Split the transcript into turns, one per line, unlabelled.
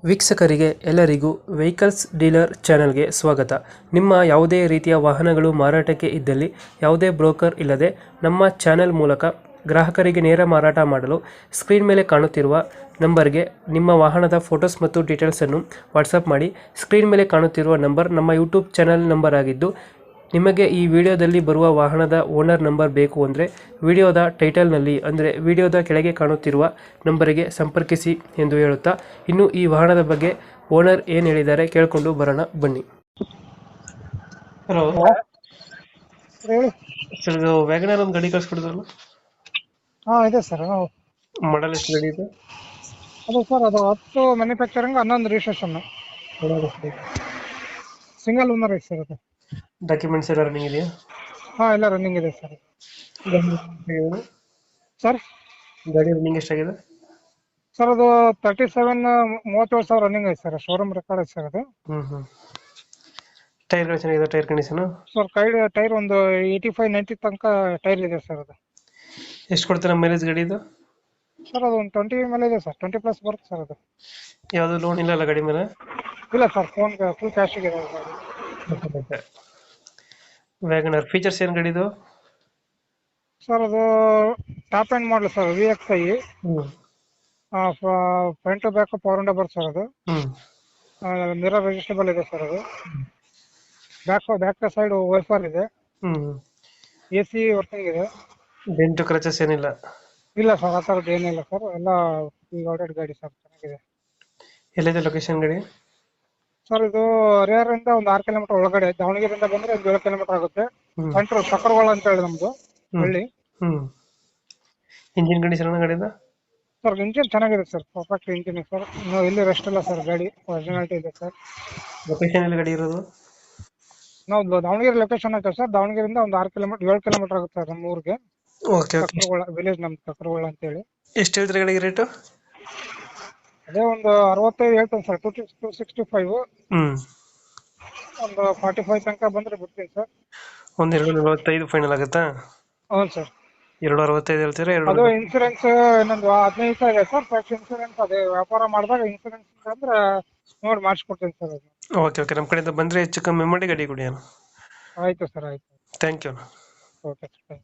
ವೀಕ್ಷಕರಿಗೆ ಎಲ್ಲರಿಗೂ vehicles dealer ಚಾನೆಲ್ಗೆ ಸ್ವಾಗತ. ನಿಮ್ಮ ಯಾವುದೇ ರೀತಿಯ ವಾಹನಗಳು ಮಾರಾಟಕ್ಕೆ ಇದ್ದಲ್ಲಿ ಯಾವುದೇ ಬ್ರೋಕರ್ ಇಲ್ಲದೆ ನಮ್ಮ ಚಾನೆಲ್ ಮೂಲಕ ಗ್ರಾಹಕರಿಗೆ ನೇರ ಮಾರಾಟ ಮಾಡಲು ಸ್ಕ್ರೀನ್ ಮೇಲೆ ಕಾಣುತ್ತಿರುವ ನಂಬರ್ಗೆ ನಿಮ್ಮ ವಾಹನದ ಫೋಟೋಸ್ ಮತ್ತು ಡೀಟೇಲ್ಸನ್ನು ವಾಟ್ಸಪ್ ಮಾಡಿ. ಸ್ಕ್ರೀನ್ ಮೇಲೆ ಕಾಣುತ್ತಿರುವ ನಂಬರ್ ನಮ್ಮ ಯೂಟ್ಯೂಬ್ ಚಾನೆಲ್ ನಂಬರ್ ಆಗಿದ್ದು, ನಿಮಗೆ ಈ ವಿಡಿಯೋದಲ್ಲಿ ಬರುವ ವಾಹನದ ಓನರ್ ನಂಬರ್ ಬೇಕು ಅಂದರೆ ವಿಡಿಯೋದ ಟೈಟಲ್ನಲ್ಲಿ ಅಂದರೆ ವಿಡಿಯೋದ ಕೆಳಗೆ ಕಾಣುತ್ತಿರುವ ನಂಬರಿಗೆ ಸಂಪರ್ಕಿಸಿ ಎಂದು ಹೇಳುತ್ತಾ, ಇನ್ನು ಈ ವಾಹನದ ಬಗ್ಗೆ ಓನರ್ ಏನು ಹೇಳಿದ್ದಾರೆ ಕೇಳಿಕೊಂಡು ಬರೋಣ ಬನ್ನಿ. ಹಲೋ
ಹೇಳಿ.
ಸರ್, ಇದು ವ್ಯಾಗನರ್ ಒಂದು ಗಾಡಿ ಕಳಿಸ್ಕೊಡಿದ್ರಲ್ಲ,
ಹಾ ಇದೆ ಸರ್.
ಮಾಡಲ್ ಎಷ್ಟು ಗಾಡಿ ಇದೆ?
ಅದು ಸರ್, ಅದು 10 ಮ್ಯಾನುಫ್ಯಾಕ್ಚರಿಂಗ್, 11 ರಿಜಿಸ್ಟ್ರೇಷನ್, ಸಿಂಗಲ್ ಓನರ್ ಐತೆ ಸರ್ ಅದು.
ಡಾಕ್ಯುಮೆಂಟ್ಸ್ ಎಲ್ಲ ರನ್ನಿಂಗ್ ಇದೆಯಾ?
ಹಾ, ಎಲ್ಲ ರನ್ನಿಂಗ್ ಇದೆ ಸರ್. ಸರ್
ಗಾಡಿ ರನ್ನಿಂಗ್ ಎಷ್ಟಾಗಿದೆ?
ಸರ್ ಅದು 37,37,000 ರನ್ನಿಂಗ್ ಐತೆ ಸರ್. ಶೋರೂಮ್ ರೆಕಾರ್ಡ್ ಐತೆ ಸರ್ ಅದು.
ಟೈರ್ಗಳು ಚೆನ್ನಾಗಿದೆ? ಟೈರ್ ಕಂಡೀಷನ್
ಸರ್ ಟೈರ್ ಒಂದು 85-90 ತನಕ ಟೈರ್ ಇದೆ ಸರ್ ಅದು.
ಎಷ್ಟು ಕೊಡ್ತಾರೆ ಮೈಲೇಜ್ ಗಾಡಿ ಇದು?
ಸರ್ ಅದು ಒಂದು 20 ಮೇಲೆ ಇದೆ ಸರ್. 20+ ಬರುತ್ತೆ ಸರ್ ಅದು.
ಯಾವುದು ಲೋನ್ ಇಲ್ಲ ಅಲ್ಲ ಗಾಡಿ ಮೇಲೆ?
ಇಲ್ಲ ಸರ್, ಫುಲ್ ಕ್ಯಾಶಿಗೆ ಇದೆ ಗಾಡಿ.
ವ್ಯಾಗನರ್ ಫೀಚರ್ಸ್ ಏನು ಗಾಡಿದು?
ಸರ್ ಅದು top end model sir, VXi. Front to back power window ಬರುತ್ತೆ ಸರ್ ಅದು. ಮಿರರ್ ಅಡ್ಜಸ್ಟಬಲ್ ಇದೆ ಸರ್ ಅದು. ಬ್ಯಾಕ್ ಸೈಡ್ ವೈಫರ್ ಇದೆ. AC ವರ್ಕಿಂಗ್ ಇದೆ.
ಡೆಂಟು ಕ್ರಚಸ್ ಏನಿಲ್ಲ?
ಇಲ್ಲ ಸರ್, ಆ ಥರದ್ದು ಏನಿಲ್ಲ ಸರ್. ಎಲ್ಲ ಆಲ್ರೆಡಿ ಗಾಡಿ ಸರ್, ಚೆನ್ನಾಗಿದೆ.
ಎಲ್ಲಿದೆ ಲೊಕೇಶನ್ ಗಾಡಿ?
ಸರ್ ಇದು ಹರಿಹರದಿಂದ ಒಂದು 6 ಕಿಲೋಮೀಟರ್ ಒಳಗಡೆ, ದಾವಣಗೆರೆಯಿಂದ ಬಂದ್ರೆ ಒಂದು 7 ಕಿಲೋಮೀಟರ್ ಆಗುತ್ತೆ. ಸೆಂಟ್ರ್ ಸಕ್ಕರವಾಳ ಅಂತ ಹೇಳಿ ನಮ್ದು ಹಳ್ಳಿ.
ಇಂಜಿನ್ ಕಂಡೀಷನ್ ಗಾಡಿದ?
ಸರ್ ಇಂಜಿನ್ ಚೆನ್ನಾಗಿದೆ ಸರ್, ಪರ್ಫೆಕ್ಟ್ ಇಂಜಿನ್ ಸರ್. ಎಲ್ಲಿ ರೆಸ್ಟ್ ಇಲ್ಲ ಸರ್, ಗಾಡಿ ಒರಿಜಿನಾಲಿಟಿ ಇದೆ ಸರ್.
ಲೊಕೇಶನ್ ಎಲ್ಲಿ ಗಾಡಿ ಇರೋದು?
ನಾವು ದಾವಣಗೆರೆ ಲೊಕೇಶನ್ ಆಯ್ತು ಸರ್. ದಾವಣಗೆರೆಯಿಂದ ಒಂದು 7 ಕಿಲೋಮೀಟರ್ ಆಗುತ್ತೆ ಸರ್ ನಮ್ಮ ಊರಿಗೆ.
Okay okay.
ಸಕ್ಕರವಾಳ ವಿಲೇಜ್, ನಮ್ದು ಸಕ್ಕರವಾಳ ಅಂತ ಹೇಳಿ.
ಎಷ್ಟು ಹೇಳ್ತೀರಿ ಗಾಡಿಗೆ ರೇಟು?
ಅದೇ ಒಂದು 65 ಹೇಳ್ತೇನೆ ಸರ್. 265. ಒಂದು 45 ತನಕ ಬಂದ್ರೆ ಬಿಡ್ತೀನಿ ಸರ್.
ಒಂದು 245 ಫೈನಲ್ ಆಗುತ್ತಾ?
ಹೌದು ಸರ್.
265 ಹೇಳ್ತೀರಾ?
ಅದು ಇನ್ಸೂರೆನ್ಸ್ ಇನ್ನೊಂದು 15 ಸಾವಿರ ಇದೆ ಸರ್. ಫಸ್ಟ್ ಇನ್ಸೂರೆನ್ಸ್ ಅದೇ ವ್ಯಾಪಾರ ಮಾಡಿದಾಗ ಇನ್ಸೂರೆನ್ಸ್ ಅಂದ್ರೆ ನೋಡಿ ಮಾಡಿಸ್ಕೊಡ್ತೀನಿ ಸರ್ ಅದು.
ಓಕೆ ಓಕೆ, ನಮ್ಮ ಕಡೆಯಿಂದ ಬಂದರೆ ಹೆಚ್ಚು ಕಮ್ಮಿ ಮಾಡಿ ಗಾಡಿ ಕೊಡಿ.
ಆಯ್ತು ಸರ್, ಆಯ್ತು.
Thank you.
Okay sir.